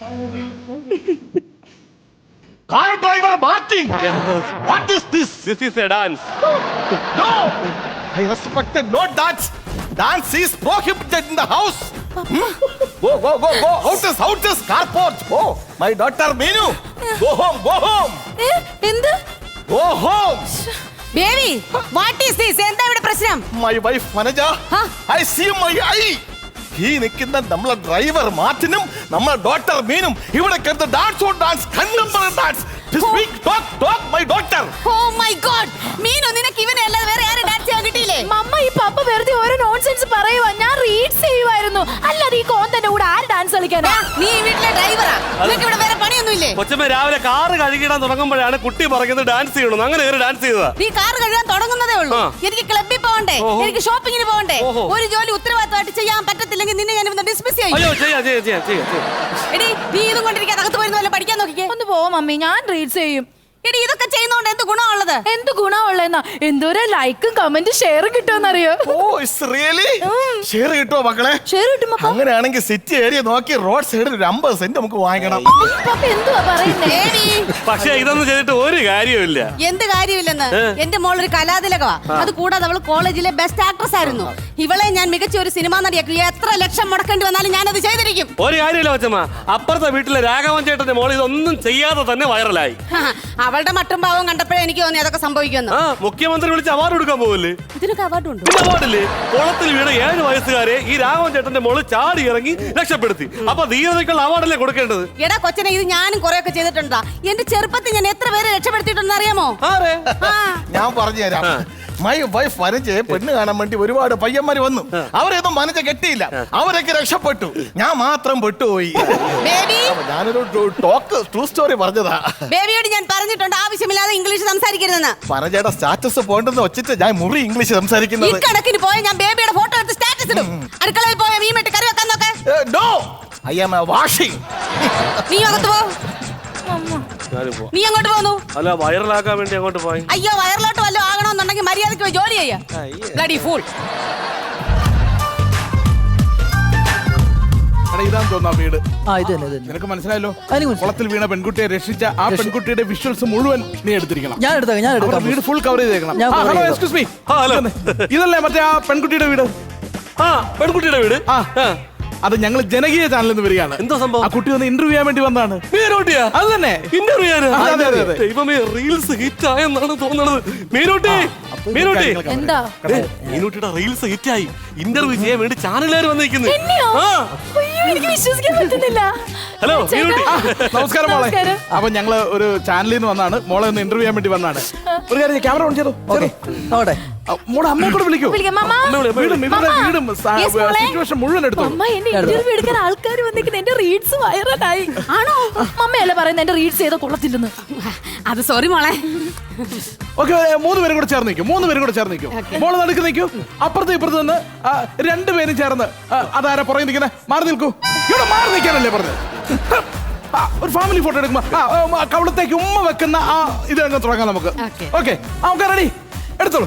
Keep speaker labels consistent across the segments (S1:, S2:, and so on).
S1: Car driver Martin! What is this?
S2: This is a dance.
S1: No! I respected no dance. Dance is prohibited in the house. Go. Out is carport. Go. My daughter Meenu. Go home.
S3: എന്ത്
S1: Go home.
S3: Baby what is this? എന്താ ഇവിടെ പ്രശ്നം?
S1: My wife Manaja.
S3: Huh?
S1: I see my eye. ഈ നിൽക്കുന്ന നമ്മളെ driver മാർട്ടിനും നമ്മളെ doctor മീനും ഇവിടെ കരുത് dance contemporary dance talk my doctor.
S3: Oh my God, Meenu നിനക്ക് ഇവനെ അല്ലാതെ വേറെ ആരും ഡാൻസ് ചെയ്യാൻ കിട്ടിയില്ലേ?
S4: മമ്മ ഈ പപ്പ വെറുതെ ഓരോ നോൺസെൻസ് പറയുവാ. ഞാൻ റീഡ്സ് ചെയ്യുമായിരുന്നു. അല്ലാതെ ഈ കോന്തന്റെ കൂടെ ആര് ഡാൻസ് കളിക്കാനാ?
S3: നീ ഈ വീട്ടിലെ ഡ്രൈവറാ, നിനക്ക് ഇവിടെ വേറെ പണിയൊന്നുമില്ലേ?
S2: കൊച്ചമ്മ രാവിലെ കാറ് കഴുകിടാൻ തുടങ്ങുമ്പോഴാണ് കുട്ടി പറയുന്നത് ഡാൻസ് ചെയ്യണം. അങ്ങനെ ഒരു ഡാൻസ് ചെയ്തതാ.
S3: നീ കാർ കഴുകാൻ തുടങ്ങുന്നതേ ഉള്ളൂ. എനിക്ക് ക്ലബ്ബിൽ പോകണ്ടേ, എനിക്ക് ഷോപ്പിങ്ങിന് പോകണ്ടേ. ഒരു ജോലി ഉത്തരവാദിത്തമായിട്ട് ചെയ്യാൻ പറ്റത്തില്ലെങ്കിൽ നിന്നെ ഞാൻ ഇന്ന് ഡിസ്മിസ് ചെയ്യും.
S2: അയ്യോ ചെയ്യാം.
S3: എടി നീ ഇതും കൊണ്ടിരിക്കാൻ അകത്ത് പോയിരുന്ന വല്ല പഠിക്കാൻ നോക്കിക്കേ.
S4: ഒന്ന് പോ മമ്മി, ഞാൻ റീഡ്സ് ചെയ്യും.
S3: എടി ഇതൊക്കെ ചെയ്യുന്നോണ്ട് എന്ത് ഗുണമുള്ളത്?
S4: എന്ത് ഗുണമുള്ളതെന്നാ? എന്തോരം ലൈക്കും കമന്റും ഷെയറും കിട്ടുമെന്നറിയോ?
S1: ഷെയർ കിട്ടുമോ മക്കളെ?
S4: ഷെയർ കിട്ടും പപ്പ.
S1: അങ്ങനെയാണെങ്കിൽ സിറ്റി ഏരിയ നോക്കി റോഡ് സൈഡിൽ ഒരു 50 സെന്റ് നമുക്ക് വാങ്ങിക്കണം.
S4: പപ്പ എന്തുവാ പറയുന്നേ?
S2: പക്ഷെ ഇതൊന്നും ചെയ്തിട്ട് ഒരു കാര്യമില്ല.
S3: എന്ത് കാര്യമില്ലെന്ന്? എന്റെ മോൾ ഒരു കലാതിലകവാ. അത് കൂടാതെ അവള് കോളേജിലെ ബെസ്റ്റ് ആക്ട്രസ് ആയിരുന്നു. ഇവളെ ഞാൻ മികച്ച ഒരു സിനിമാ നടിയാക്കി എത്ര ലക്ഷം മുടക്കേണ്ടി വന്നാലും ഞാനത് ചെയ്തിരിക്കും.
S2: ഒരു കാര്യമില്ല കൊച്ചമ്മ, അപ്പുറത്തെ വീട്ടിലെ രാഘവൻ ചേട്ടന്റെ മോൾ ഇതൊന്നും ചെയ്യാതെ തന്നെ വൈറലായി.
S3: അവളുടെ മട്ടും ഭാവം കണ്ടപ്പോഴേ എനിക്ക് തോന്നി അതൊക്കെ സംഭവിക്കുന്നു.
S2: മുഖ്യമന്ത്രി വിളിച്ച് അവാർഡ് കൊടുക്കാൻ പോകല്ലേ?
S3: ഇതിനൊക്കെ അവാർഡ് ഉണ്ട്.
S2: അവാർഡില്ലേ? കുളത്തിൽ വീണ 7 വയസ്സുകാരെ ഈ രാഘവൻ ചേട്ടന്റെ മോള് ചാടി ഇറങ്ങി രക്ഷപ്പെടുത്തി. അപ്പൊ ധീരതയ്ക്കുള്ള അവാർഡല്ലേ കൊടുക്കേണ്ടത്?
S3: എടാ കൊച്ചനെ, ഇത് ഞാനും കുറെ ഒക്കെ ചെയ്തിട്ടുണ്ടാ. എന്റെ ചെറുപ്പത്തിൽ ഞാൻ എത്ര പേരെ രക്ഷപ്പെടുത്തിയിട്ടുണ്ടെന്ന് അറിയാമോ?
S1: ഞാൻ പറഞ്ഞുതരാം. മൈ വൈഫ് വനജയെ പെണ്ണ് കാണാൻ വേണ്ടി ഒരുപാട് പയ്യന്മാര് വന്നു. അവരെയൊന്നും വനജ കെട്ടിയില്ല, അവരൊക്കെ രക്ഷപ്പെട്ടു. ഞാൻ മാത്രം പെട്ടുപോയി. ഞാനൊരു ട്രൂ സ്റ്റോറി പറഞ്ഞതാ.
S3: ബേബിയോട് ഞാൻ പറഞ്ഞിട്ടുണ്ട് ആവശ്യമില്ലാതെ ഇംഗ്ലീഷ് സംസാരിക്കരുതെന്ന്.
S1: വനജയുടെ സ്റ്റാറ്റസ് പോകണ്ടെന്ന് വെച്ചിട്ട് ഞാൻ മുറി ഇംഗ്ലീഷ് സംസാരിക്കുന്നത്.
S3: കണക്കിന് പോയ ഞാൻ ബേബിയുടെ ഫോട്ടോ എടുത്ത് സ്റ്റാറ്റസ് ഇടും. അടുക്കളയിൽ പോയ മീമിട്ട് കറി വെക്കാൻ നോക്കെ.
S1: No, I am washing.
S3: നീ അകത്ത് പോ. നീ അങ്ങോട്ട് പോന്നു.
S2: അല്ല, വൈറലാക്കാൻ വേണ്ടി അങ്ങോട്ട് പോയി.
S3: അയ്യോ, വയറിലോട്ട് വല്ലതും ആകണമെന്നുണ്ടെങ്കിൽ മര്യാദയ്ക്ക് പോയി ജോലി ചെയ്യാ. Bloody fool.
S5: ഇതാന്ന് തോന്നാ വീട്.
S6: ഇത് തന്നെ.
S5: നിനക്ക് മനസ്സിലായല്ലോ?
S6: മനസ്സിലായി.
S5: കുളത്തിൽ വീണ പെൺകുട്ടിയെ രക്ഷിച്ച ആ പെൺകുട്ടിയുടെ വിഷ്വൽസ് മുഴുവൻ നീ എടുത്തിരിക്കണം.
S6: ഞാൻ എടുക്കാം.
S5: വീട് ഫുൾ കവർ ചെയ്തേക്കണം.
S6: Hello,
S5: excuse me. ഇതല്ലേ മറ്റേ ആ പെൺകുട്ടിയുടെ വീട്?
S2: പെൺകുട്ടിയുടെ വീട്?
S5: അത് ഞങ്ങൾ ജനകീയ ചാനലിൽ നിന്ന് വരികയാണ്.
S2: എന്താ സംഭവം?
S5: ആ കുട്ടി ഒന്ന് ഇന്റർവ്യൂ ചെയ്യാൻ വേണ്ടി വന്നതാണ്.
S2: അത് തന്നെ ഇന്റർവ്യൂ
S5: ചെയ്യാൻ.
S2: ദൈവമേ, റീൽസ് ഹിറ്റ് ആയെന്നാണ് തോന്നുന്നത്. മീനൂട്ടി,
S4: എന്താ?
S2: മീനൂട്ടിയുടെ റീൽസ് ഹിറ്റ് ആയി. ഇന്റർവ്യൂ ചെയ്യാൻ വേണ്ടി ചാനലുകാർ വന്നിരിക്കുന്നു.
S4: എനിക്ക് വിശ്വസിക്കാൻ പറ്റുന്നില്ല.
S2: ഹലോ
S5: നമസ്കാരം മോളെ. അപ്പൊ ഞങ്ങള് ഒരു ചാനലിൽ നിന്ന് വന്നാണ്. മോളെ ഒന്ന് ഇന്റർവ്യൂ ചെയ്യാൻ വേണ്ടി വന്നാണ്. ഒരു കാര്യം, ക്യാമറ ഓൺ ചെയ്തോ. മോളെ അമ്മയെ കൂടെ വിളിക്കൂ. വീടും സിറ്റുവേഷൻ മുഴുവൻ എടുത്തു.
S4: ഇന്റർവ്യൂ എടുക്കാൻ ആൾക്കാർ വന്നിരിക്കുന്നത്. എന്റെ റീഡ്സ് വൈറലായി. ആണോ? മമ്മയല്ലേ പറയുന്നത് എന്റെ റീഡ്സ് ചെയ്ത കൊള്ളത്തില്ലെന്ന്?
S3: അത് സോറി മോളെ.
S5: ഓക്കെ, 3 പേരും കൂടെ ചേർന്ന് നിൽക്കും. മോള് നടുക്ക് നിൽക്കൂ. അപ്പുറത്ത് ഇപ്പുറത്ത് നിന്ന് 2 പേരും ചേർന്ന് അതാരാ പുറകെ നിൽക്കുന്നത്? മാറി നിൽക്കൂ. ഇവിടെ മാറി നിൽക്കാനല്ലേ പറഞ്ഞത്? ഒരു ഫാമിലി ഫോട്ടോ എടുക്കുമ്പോ കവിളത്തേക്ക് ഉമ്മ വെക്കുന്ന ആ ഇത് അങ്ങ് തുടങ്ങാം നമുക്ക്. ഓക്കെ, നമുക്ക് റെഡി. എടുത്തോളൂ.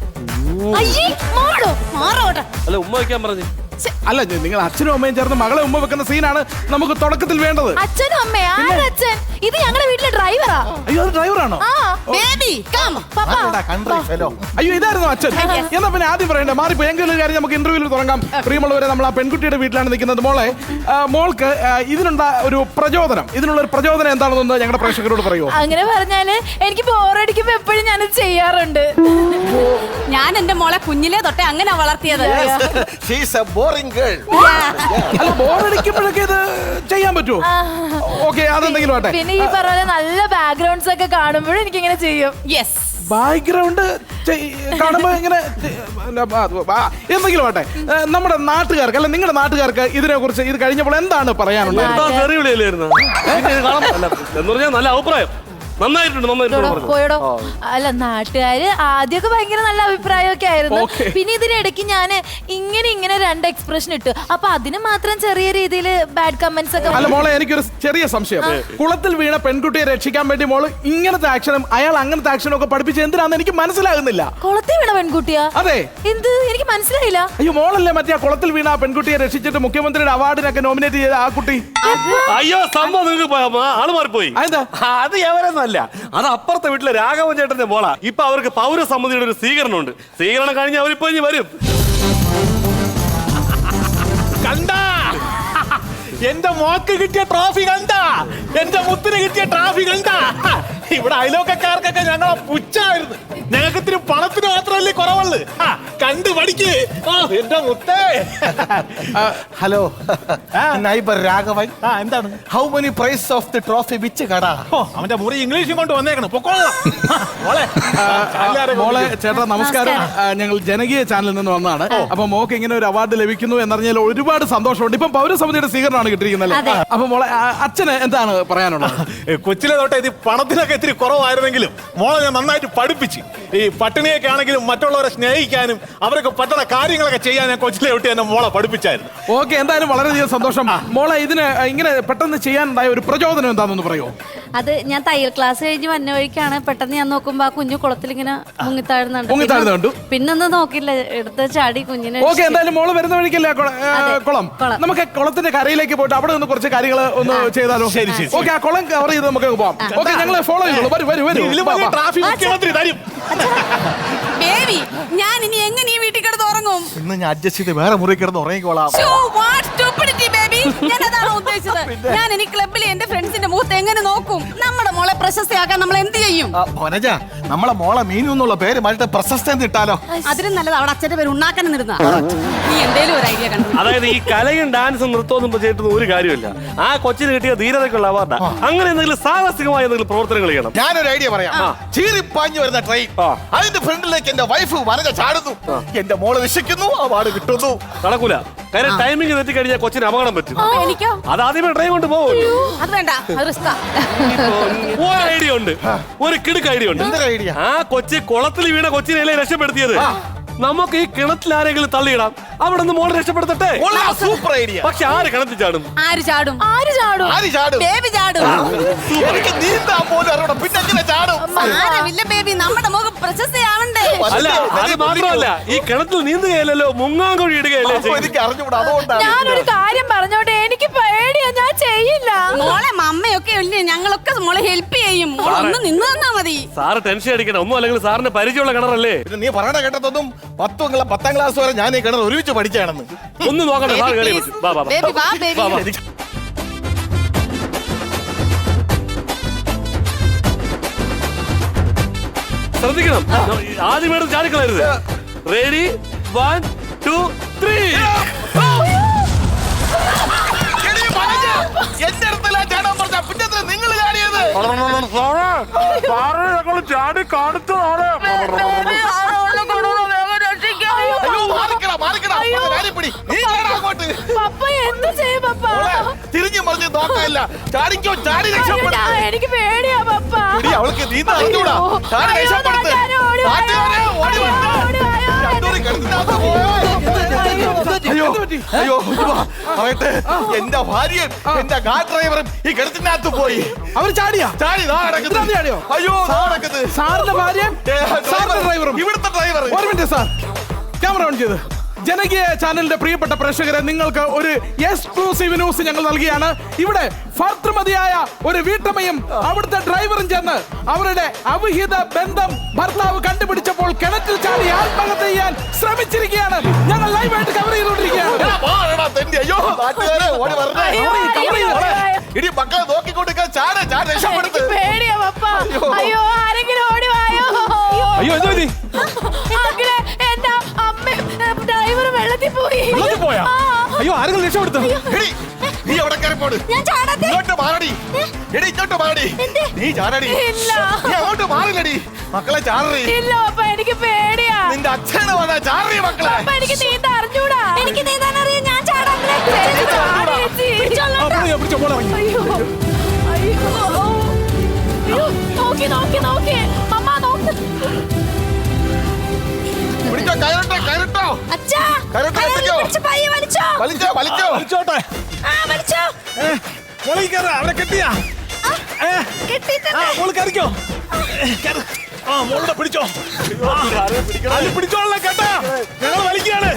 S2: അല്ല, ഉമ്മ വയ്ക്കാൻ പറഞ്ഞു.
S5: അല്ല, നിങ്ങൾ അച്ഛനും അമ്മയും ചേർന്ന് മകളെ ഉമ്മ വെക്കുന്ന സീനാണ് നമുക്ക് തുടക്കത്തിൽ വേണ്ടത്.
S4: അച്ഛനും അമ്മയും? അച്ഛൻ ഇത് ഞങ്ങളുടെ വീട്ടിലെ ഡ്രൈവറാ.
S5: അയ്യോ, അത് ഡ്രൈവറാണോ? അയ്യോ, ഇതായിരുന്നു അച്ഛൻ. എന്നാ പിന്നെ ആദ്യം പറയണ്ടേ? മാറിപ്പോ. എങ്കിലും ഒരു കാര്യം, നമുക്ക് ഇന്റർവ്യൂവിൽ തുടങ്ങാം. പ്രിയമുള്ളവരെ, നമ്മൾ ആ പെൺകുട്ടിയുടെ വീട്ടിലാണ് നിൽക്കുന്നത്. മോൾക്ക് ഇതിനുള്ള ഒരു പ്രചോദനം എന്താണെന്ന് ഞങ്ങളുടെ പ്രേക്ഷകരോട് പറയുമോ?
S4: അങ്ങനെ പറഞ്ഞാല് എനിക്ക് ബോറടിക്കുമ്പോ എപ്പോഴും ഞാനത് ചെയ്യാറുണ്ട്.
S3: ഞാൻ എന്റെ മോളെ കുഞ്ഞിലേ തൊട്ടേ അങ്ങനെ വളർത്തിയത്.
S5: അല്ല, ബോറടിക്കുമ്പോഴൊക്കെ ഇത് ചെയ്യാൻ പറ്റുമോ? ഓക്കെ, അതെന്തെങ്കിലും ആട്ടെ.
S4: പിന്നെ ഈ പറഞ്ഞ നല്ല ബാക്ക്ഗ്രൗണ്ട്സ് ഒക്കെ കാണുമ്പോഴും എനിക്ക് ഇങ്ങനെ ചെയ്യും.
S3: യെസ്,
S5: ബാക്ക്ഗ്രൗണ്ട് കാണുമ്പോ ഇങ്ങനെ എന്തെങ്കിലും ആട്ടെ. നമ്മുടെ നാട്ടുകാർക്ക്, അല്ല നിങ്ങളുടെ നാട്ടുകാർക്ക് ഇതിനെ കുറിച്ച് ഇത് കഴിഞ്ഞപ്പോൾ എന്താണ് പറയാനുള്ളത്?
S2: നല്ല അഭിപ്രായം. നന്നായിട്ടുണ്ട് പറഞ്ഞു.
S4: പോയടോ. അല്ല, നാട്ടുകാര് ആദ്യമൊക്കെ ഭയങ്കര നല്ല അഭിപ്രായമൊക്കെ ആയിരുന്നു. പിന്നെ ഇതിനിടയ്ക്ക് ഞാൻ ഇങ്ങനെ 2 എക്സ്പ്രഷൻ ഇട്ടു. അപ്പൊ അതിന് മാത്രം ചെറിയ രീതിയിൽ ബാഡ് കമന്റ്സ് ഒക്കെ.
S5: അല്ല മോളെ, എനിക്കൊരു ചെറിയ സംശയം. കുളത്തിൽ വീണ പെൺകുട്ടിയെ രക്ഷിക്കാൻ വേണ്ടി മോള് ഇങ്ങനത്തെ ആക്ഷനും അയാൾ അങ്ങനത്തെ ആക്ഷനും ഒക്കെ പഠിപ്പിച്ച് എന്തിനാന്ന് എനിക്ക് മനസ്സിലാകുന്നില്ല.
S4: കുളത്തിൽ വീണ പെൺകുട്ടിയാ?
S5: അതെ.
S4: എന്ത്? എനിക്ക് മനസ്സിലായില്ല.
S5: അയ്യോ, മോളല്ലേ മറ്റേ ആ കുളത്തിൽ വീണ ആ പെൺകുട്ടിയെ രക്ഷിച്ചിട്ട് മുഖ്യമന്ത്രിയുടെ അവാർഡിനൊക്കെ നോമിനേറ്റ് ചെയ്ത ആ കുട്ടി?
S2: അയ്യോ, സംഭവം നിങ്ങൾക്ക് ആള് മാറിപ്പോയി.
S5: അതെന്താ?
S2: അത് എവരെന്നല്ല, അത് അപ്പുറത്തെ വീട്ടിലെ രാഘവൻ ചേട്ടന്റെ മോളാ. ഇപ്പൊ അവർക്ക് പൗരസമിതിയുടെ ഒരു സ്വീകരണമുണ്ട്. സ്വീകരണം കഴിഞ്ഞ് അവരിപ്പോ ഇനി വരും.
S1: കണ്ടാ എന്റെ മോക്ക് കിട്ടിയ ട്രോഫി കണ്ടാ? എന്റെ മുത്തിന് കിട്ടിയ ട്രോഫി കണ്ടാ? ഇവിടെ അയലോക്കാർക്കൊക്കെ ഞങ്ങളെ പുച്ഛായിരുന്നു. ഞങ്ങൾക്ക് ഇത്തിരി പണത്തിന് മാത്രമല്ലേ കുറവുള്ളു. കണ്ടു പഠിക്ക്. എന്റെ മുത്തേ. Hello, neighbour Raghavan. എന്താണ്? How many price of the trophy which കട? അവന്റെ മുറി ഇംഗ്ലീഷും കൊണ്ട് വന്നേക്കണം.
S5: മോളെ ചേട്ടാ നമസ്കാരം. ഞങ്ങൾ ജനകീയ ചാനലിൽ നിന്ന് വന്നതാണ്. അപ്പൊ മോക്ക് ഇങ്ങനെ ഒരു അവാർഡ് ലഭിക്കുന്നു എന്നറിഞ്ഞാൽ ഒരുപാട് സന്തോഷമുണ്ട്. ഇപ്പം പൗരസമിതിയുടെ സ്വീകരണമാണ് കിട്ടിയിരിക്കുന്നത്. അപ്പൊ മോളെ അച്ഛന് എന്താണ് പറയാനുള്ളത്?
S1: കൊച്ചിലെ തൊട്ടേ ഇത് പണത്തിനൊക്കെ ഇത്തിരി കുറവായിരുന്നെങ്കിലും മോളെ ഞാൻ നന്നായിട്ട് പഠിപ്പിച്ച് ഈ പട്ടിണിയൊക്കെ ആണെങ്കിലും മറ്റുള്ളവരെ സ്നേഹിക്കാനും അവരൊക്കെ പറ്റുന്ന കാര്യങ്ങളൊക്കെ ചെയ്യാൻ ഞാൻ കൊച്ചിലെ തൊട്ട് തന്നെ മോളെ പഠിപ്പിച്ചായിരുന്നു.
S5: ഓക്കെ, എന്തായാലും വളരെയധികം സന്തോഷം. മോളെ ഇതിന് ഇങ്ങനെ പെട്ടെന്ന് ചെയ്യാനുണ്ടായ ഒരു പ്രചോദനം എന്താണെന്ന് പറയുമോ?
S3: അത് ഞാൻ തയ്യൽ ക്ലാസ് കഴിഞ്ഞ് വന്ന വഴിക്കാണ് പെട്ടെന്ന് ഞാൻ നോക്കുമ്പോ ആ കുഞ്ഞു കുളത്തിൽ ഇങ്ങനെ മുങ്ങിത്താഴുന്നുണ്ട്. പിന്നൊന്നും നോക്കില്ല, എടുത്ത് ചാടി കുഞ്ഞിനെ.
S5: ഓക്കെ, എന്തായാലും മോള് വരുന്ന വഴിക്കല്ലേ കുളം? നമുക്ക് കുളത്തിന്റെ കരയിലേക്ക് പോയിട്ട് അവിടെ നിന്ന് കുറച്ച് കാര്യങ്ങൾ ഒന്ന് ചെയ്താലോ?
S1: ശരി.
S5: ഓക്കെ, ആ കുളം കവർ ചെയ്ത് നമുക്ക് പോവാം. ഓക്കെ, ഞങ്ങളെ ഫോളോ ചെയ്തോളൂ.
S3: ബേബി, ഞാൻ ഇനി എങ്ങനെ ഈ വീട്ടിൽ കിടന്ന് ഉറങ്ങും?
S1: ഇന്ന് ഞാൻ അഡ്ജസ്റ്റ് ചെയ്ത് വേറെ മുറി കിടന്ന് ഉറങ്ങിക്കോളാം.
S3: ഞാൻ അതാണ് ഉദ്ദേശിച്ചത്. ഞാൻ ഇനി ക്ലബിലെ എന്റെ ഫ്രണ്ട്സിന്റെ മുഖത്ത് എങ്ങനെ നോക്കും? നമ്മുടെ മോളെ പ്രശസ്തയാക്കാൻ നമ്മൾ എന്ത് ചെയ്യും?
S1: വനജ, നമ്മളെ മോളെ മീനു എന്നുള്ള പേര് മാറ്റിട്ട് പ്രശസ്ത എന്ന് ഇട്ടാലോ?
S3: അതിനും നല്ലത് അവിടെ അച്ഛന്റെ പേര് ഉണ്ടാക്കാൻ നിരുന്ന. നീ എന്തേലും ഒരു ഐഡിയ കണ്ടു.
S2: അതായത് ഈ കലയും ഡാൻസും നൃത്തവും ചെയ്തിട്ട് ഒരു കാര്യമില്ല. ആ കൊച്ചിന് കിട്ടിയ ധീരതയ്ക്കുള്ള അവാർഡാ. അങ്ങനെ എന്തെങ്കിലും സാഹസികമായ എന്തെങ്കിലും പ്രവർത്തനങ്ങൾ ചെയ്യണം.
S1: ഞാനൊരു ഐഡിയ പറയാം. ചീറിപ്പാഞ്ഞു വരുന്ന ട്രെയിൻ, അതിന്റെ ഫ്രണ്ടിലേക്ക് എന്റെ വൈഫ് വനജ ചാടുന്നു. എന്റെ മോള് വിശക്കുന്നു, അവാർഡ് കിട്ടുന്നു.
S2: നടക്കൂല. കാര്യം ടൈമിംഗ് തെറ്റി കഴിഞ്ഞാൽ കൊച്ചിന് അപകടം പറ്റും.
S3: എനിക്കോ?
S2: അത് ആദ്യമേ ട്രെയിൻ കൊണ്ട് പോകും.
S3: അത് വേണ്ട, അത് റിസ്കാ.
S2: ഒരു ഐഡിയ ഉണ്ട്, ഒരു കിടുക്ക് ഐഡിയ ഉണ്ട്.
S1: എന്തൊരു ഐഡിയ?
S2: ആ കൊച്ചി കുളത്തിൽ വീണ കൊച്ചിനെയല്ലേ രക്ഷപ്പെടുത്തിയത്. നമുക്ക് ഈ കിണറ്റിൽ ആരെങ്കിലും തള്ളിയിടാം, അവിടെ നിന്ന് മോളെ രക്ഷപ്പെടുത്തട്ടെ.
S1: Super idea.
S2: പക്ഷെ ആര് കിണറ്റിൽ ചാടും?
S3: ആര് ചാടും? ബേബി ചാടും.
S1: എനിക്ക് നീന്താൻ പോലും അറിയണം, പിന്നെ എങ്ങനെ ചാടും?
S3: സാരമില്ല ബേബി, നമ്മുടെ മുഖം പ്രശസ്തയാവണ്ടേ?
S2: അല്ല, അത് മാത്രമല്ല, ഈ കിണറ്റിൽ നീന്തുകയല്ലോ, മുങ്ങാൻ കൊഴി ഇടുകയല്ലേ.
S1: എനിക്ക് അറിഞ്ഞുകൂടാ, അതുകൊണ്ടാണ്.
S4: ഞാനൊരു കാര്യം പറഞ്ഞോട്ടെ, എനിക്ക് പേടിയാ, ഞാൻ ചെയ്യില്ല.
S3: മോളെ മമ്മയൊക്കെ ഇല്ലേ, ഞങ്ങളൊക്കെ മോളെ ഹെൽപ്പ് ചെയ്യും. ഒന്ന് നിന്ന് തന്നാ മതി.
S2: സാറ് ടെൻഷൻ അടിക്കണം. ഒന്നും അല്ലെങ്കിൽ സാറിന് പരിചയമുള്ള കിണറല്ലേ.
S1: പിന്നെ നീ പറയണ കേട്ടതൊന്നും 10ാം ക്ലാസ് വരെ ഞാൻ ഈ കിണർ ഒരുമിച്ച് പഠിച്ചാണെന്ന്.
S2: ഒന്ന് നോക്കണ്ട, സാർ കേറി
S3: ബേബി, വാ ബേബി.
S2: ശ്രദ്ധിക്കണം, ആദ്യം ചാടിക്കളരുത്. റെഡി, 1, 2, 3.
S1: എന്റെ അടുത്തല്ല ചാടാൻ പറഞ്ഞ, പിന്നെ നിങ്ങൾ ചാടിയത്?
S2: ചാടി കാണിച്ചതാണ്.
S1: തിരിഞ്ഞു മറിഞ്ഞ് നോക്കാനില്ല. ചാടിക്കോ, ചാടി രക്ഷപ്പെടുത്ത.
S4: എനിക്ക് പേടിയാ പപ്പ.
S1: അവൾക്ക് നീന്താ അറിഞ്ഞൂടാ. ചാടി രക്ഷപ്പെടുത്ത്. അയ്യോ, പറയട്ടെ, എന്റെ ഭാര്യയും എന്റെ കാർ ഡ്രൈവറും ഈ കിടത്തിനകത്ത് പോയി.
S5: അവർ ചാടി
S1: ചാടിയോ? അയ്യോ,
S5: സാറിന്റെ ഭാര്യയും സാറിന്റെ ഡ്രൈവറും.
S1: ഇവിടുത്തെ ഡ്രൈവർ.
S5: ഒരു മിനിറ്റ് സാർ, ക്യാമറ ഓൺ ചെയ്ത്. ജനകീയ ചാനലിന്റെ പ്രിയപ്പെട്ട പ്രേക്ഷകരെ, നിങ്ങൾക്ക് ഒരു എക്സ്ക്ലൂസീവ് ന്യൂസ് ഞങ്ങൾ നൽകിയാണ്. ഇവിടെ ഭർത്തൃമതിയായ ഒരു വീട്ടമ്മയും അവിടുത്തെ ഡ്രൈവറും ചേർന്ന് അവരുടെ അവിഹിത ബന്ധം ഭർത്താവ് കണ്ടുപിടിച്ചപ്പോൾ കിണറ്റിൽ ചാടി ആത്മഹത്യ ചെയ്യാൻ ശ്രമിച്ചിരിക്കുകയാണ്. ഞങ്ങൾ ലൈവായിട്ട് കവർ ചെയ്തുകൊണ്ടിരിക്കുകയാണ്.
S1: ഇനി മക്കളെ നോക്കിക്കൊണ്ടിരിക്കാൻ ചാടി രക്ഷപ്പെടുത്ത്.
S4: പേടിയാ പപ്പ. അയ്യോ, ആരെങ്കിലും ഓടി വായോ.
S5: അയ്യോ, എന്താ
S4: എന്റെ അമ്മ ഡ്രൈവർ വെള്ളത്തിൽ പോയി.
S5: അയ്യോ, ആരെങ്കിലും രക്ഷപ്പെടുത്തും.
S1: നീ അവിടെ കയറിപ്പോട്. ഇങ്ങോട്ട് മാറടി. എടി, ഇങ്ങോട്ട് മാറടി. നീ ചാടടി. നീ അങ്ങോട്ട് മാറില്ലടി. മക്കളെ ചാടറി.
S4: ഇല്ല പപ്പ, എനിക്ക് പേടിയാ.
S1: നിന്റെ അച്ഛനെ വന്നാ ചാടറി മക്കളെ.
S4: എനിക്ക് നീന്താൻ അറിഞ്ഞൂടാ. എനിക്ക് നീന്താൻ അറിയാം, ഞാൻ ചാടാൻ.
S1: വലിച്ചോ വലിച്ചോ
S5: വലിച്ചോട്ടെ.
S3: ആ, വലിച്ചോ.
S5: മോളിൽ കയറാ, അവരെ കെട്ടിയാ?
S3: കെട്ടിയിട്ടുണ്ട്.
S5: മോള് കയറിക്കോ. കേറ്. മോളുടെ പിടിച്ചോ. അത് പിടിച്ചോളാം കേട്ടാ. ഞങ്ങൾ വലിക്കുകയാണ്.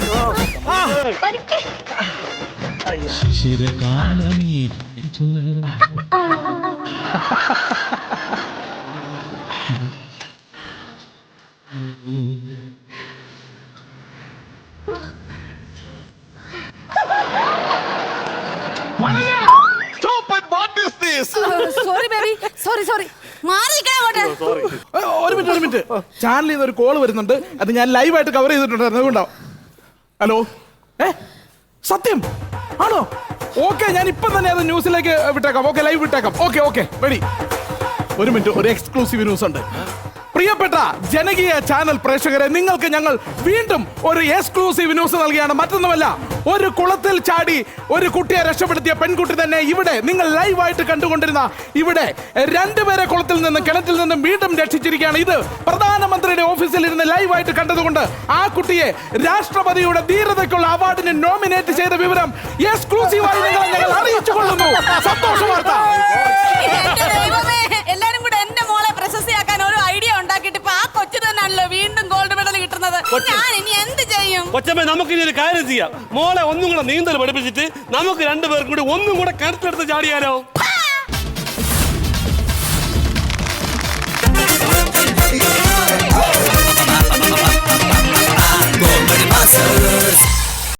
S3: സോറി ബേബി, സോറി മാറി നിൽക്കണം അങ്ങോട്ട്.
S5: ഒരു മിനിറ്റ് ചാനലിൽ നിന്ന് ഒരു കോള് വരുന്നുണ്ട്. അത് ഞാൻ ലൈവായിട്ട് കവർ ചെയ്തിട്ടുണ്ടായിരുന്നു. അതുകൊണ്ടാവും. ഹലോ, സത്യം ആണോ? ഓക്കെ, ഞാൻ ഇപ്പം തന്നെ അത് ന്യൂസിലേക്ക് വിട്ടേക്കാം. ഓക്കെ, ലൈവ് വിട്ടേക്കാം. Okay ready. ഒരു മിനിറ്റ്, ഒരു എക്സ്ക്ലൂസീവ് ന്യൂസ് ഉണ്ട്. പ്രിയപ്പെട്ട ജനകീയ ചാനൽ പ്രേക്ഷകരെ, നിങ്ങൾക്ക് ഞങ്ങൾ വീണ്ടും ഒരു എക്സ്ക്ലൂസീവ് ന്യൂസ് നൽകിയാണ്. മറ്റൊന്നുമല്ല, ഒരു കുളത്തിൽ ചാടി ഒരു കുട്ടിയെ രക്ഷപ്പെടുത്തിയ പെൺകുട്ടി തന്നെ ഇവിടെ നിങ്ങൾ ലൈവായിട്ട് കണ്ടുകൊണ്ടിരുന്ന ഇവിടെ രണ്ടുപേരെ കുളത്തിൽ നിന്നും കിണറ്റിൽ നിന്നും വീണ്ടും രക്ഷിച്ചിരിക്കുകയാണ്. ഇത് പ്രധാനമന്ത്രിയുടെ ഓഫീസിൽ ഇരുന്ന് ലൈവായിട്ട് കണ്ടതുകൊണ്ട് ആ കുട്ടിയെ രാഷ്ട്രപതിയുടെ ധീരതയ്ക്കുള്ള അവാർഡിന് നോമിനേറ്റ് ചെയ്ത വിവരം എക്സ്ക്ലൂസീവായി ഞങ്ങൾ അറിയിച്ചു കൊള്ളുന്നു. സന്തോഷ വാർത്ത.
S3: എന്റെ ദൈവമേ, എല്ലാരും കൂടെ എന്റെ മോളെ പ്രശസ്തിയാക്കാൻ ഒരു ഐഡിയ ഉണ്ടാക്കിയിട്ട് ഇപ്പൊ ആ കൊച്ചു തന്നെയാണല്ലോ വീണ്ടും ഗോൾഡ് മെഡൽ കിട്ടുന്നത്. ഞാൻ ഇനി എന്ത് ചെയ്യും?
S2: കൊച്ചമ്മ, നമുക്ക് ഇനി ഒരു കാര്യം ചെയ്യാം. മോളെ ഒന്നും കൂടെ നീന്തൽ പഠിപ്പിച്ചിട്ട് നമുക്ക് രണ്ടുപേർക്കും കൂടി ഒന്നും കൂടെ കിണറ്റിലെടുത്ത് ചാടിയാലോ?